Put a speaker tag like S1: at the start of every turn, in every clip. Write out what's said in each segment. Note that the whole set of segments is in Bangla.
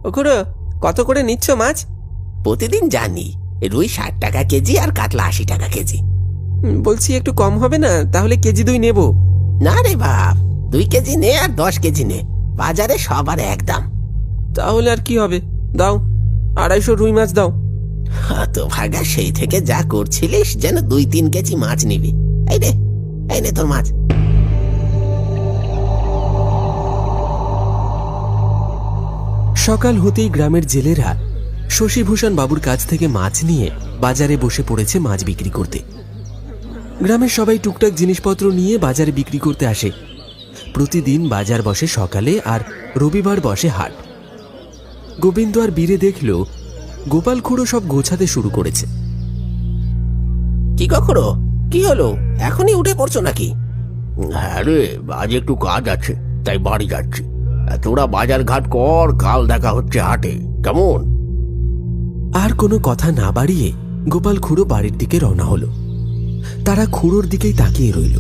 S1: ও খুড়ো, কত করে নিচ্ছ মাছ?
S2: প্রতিদিন জানি, রুই 60 টাকা কেজি আর কাতলা 80 টাকা কেজি।
S1: বলছি একটু কম হবে না? তাহলে কেজি 2 নেব।
S2: না রে বাপ, 2 কেজি নে আর 10 কেজি নে, বাজারে সবার এক দাম।
S1: তাহলে আর কি হবে, দাও 250 রুই মাছ দাও।
S2: হতভাগা, সেই থেকে যা করছিলিস যেন 2-3 কেজি মাছ নিবি। এই রে, এই নে তোর মাছ।
S3: সকাল হতেই গ্রামের জেলেরা শশীভূষণ বাবুর কাছ থেকে মাছ নিয়ে বাজারে বসে পড়েছে মাছ বিক্রি করতে। গ্রামের সবাই টুকটাক জিনিসপত্র নিয়ে বাজারে বিক্রি করতে আসে। প্রতিদিন বাজার বসে সকালে, আর রবিবার বসে হাট। গোবিন্দ আর বীরে দেখল গোপাল খুড়ো সব গোছাতে শুরু করেছে।
S2: কি কখনো কি হলো, এখনই উঠে পড়ছো নাকি? হ্যাঁ রে, আজ একটু কাজ আছে, তাই বাড়ি যাচ্ছি। তোরা বাজার ঘাট কর, কাল দেখা হচ্ছে হাটে, কেমন?
S3: আর কোনো কথা না বাড়িয়ে গোপাল খুড়ো বাড়ির দিকে রওনা হলো। তারা খুড়োর দিকেই তাকিয়ে রইল।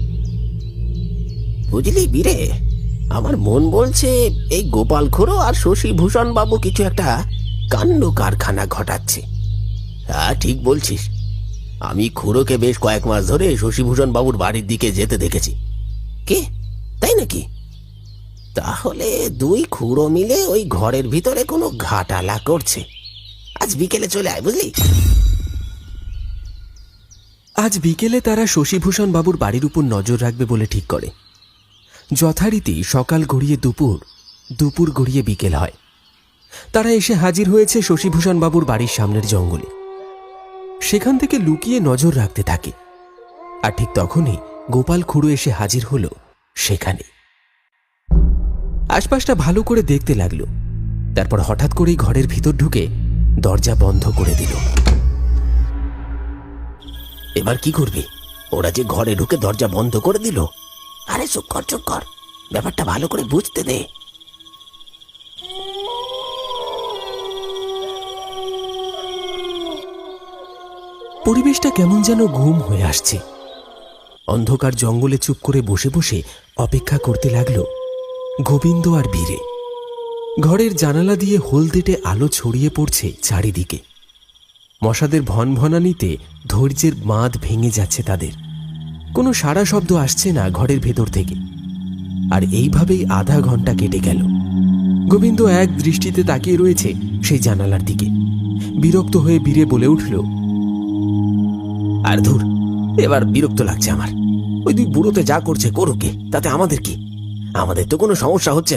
S2: বুঝলি বীরে, আমার মন বলছে এই গোপাল খুড়ো আর শশীভূষণ বাবু কিছু একটা কাণ্ড কারখানা ঘটাচ্ছে। হ্যাঁ, ঠিক বলছিস। আমি খুড়োকে বেশ কয়েক মাস ধরে শশীভূষণ বাবুর বাড়ির দিকে যেতে দেখেছি। কে, তাই নাকি? তাহলে 2 খুড়ো মিলে ওই ঘরের ভিতরে কোনো ঘাটালা করছে। আজ বিকেলে চলে আয়, বুঝলি?
S3: আজ বিকেলে তারা শশীভূষণ বাবুর বাড়ির উপর নজর রাখবে বলে ঠিক করে। যথারীতি সকাল গড়িয়ে দুপুর, দুপুর গড়িয়ে বিকেল হয়। তারা এসে হাজির হয়েছে শশীভূষণ বাবুর বাড়ির সামনের জঙ্গলে। সেখান থেকে লুকিয়ে নজর রাখতে থাকে। আর ঠিক তখনই গোপাল খুড়ো এসে হাজির হলো সেখানে। আশপাশটা ভালো করে দেখতে লাগলো। তারপর হঠাৎ করেই ঘরের ভিতর ঢুকে দরজা বন্ধ করে দিল।
S2: এবার কি করবি? ওরা যে ঘরে ঢুকে দরজা বন্ধ করে দিল। আরে চুপ কর, চুপ কর, ব্যাপারটা ভালো করে বুঝতে দে।
S3: পরিবেশটা কেমন যেন ঘুম হয়ে আসছে। অন্ধকার জঙ্গলে চুপ করে বসে বসে অপেক্ষা করতে লাগলো গোবিন্দ আর বীরে। ঘরের জানালা দিয়ে হলদেটে আলো ছড়িয়ে পড়ছে চারিদিকে। মশাদের ভনভনানিতে ধৈর্যের বাঁধ ভেঙে যাচ্ছে তাদের। কোনো সাড়া শব্দ আসছে না ঘরের ভেতর থেকে। আর এইভাবেই আধা ঘন্টা কেটে গেল। গোবিন্দ এক দৃষ্টিতে তাকিয়ে রয়েছে সেই জানালার দিকে। বিরক্ত হয়ে বীরে বলে উঠল,
S2: আর ধুর, এবার বিরক্ত লাগছে আমার। ওই 2 বুড়োতে যা করছে করুকে, তাতে আমাদের কি? আমাদের তো কোনো সমস্যা হচ্ছে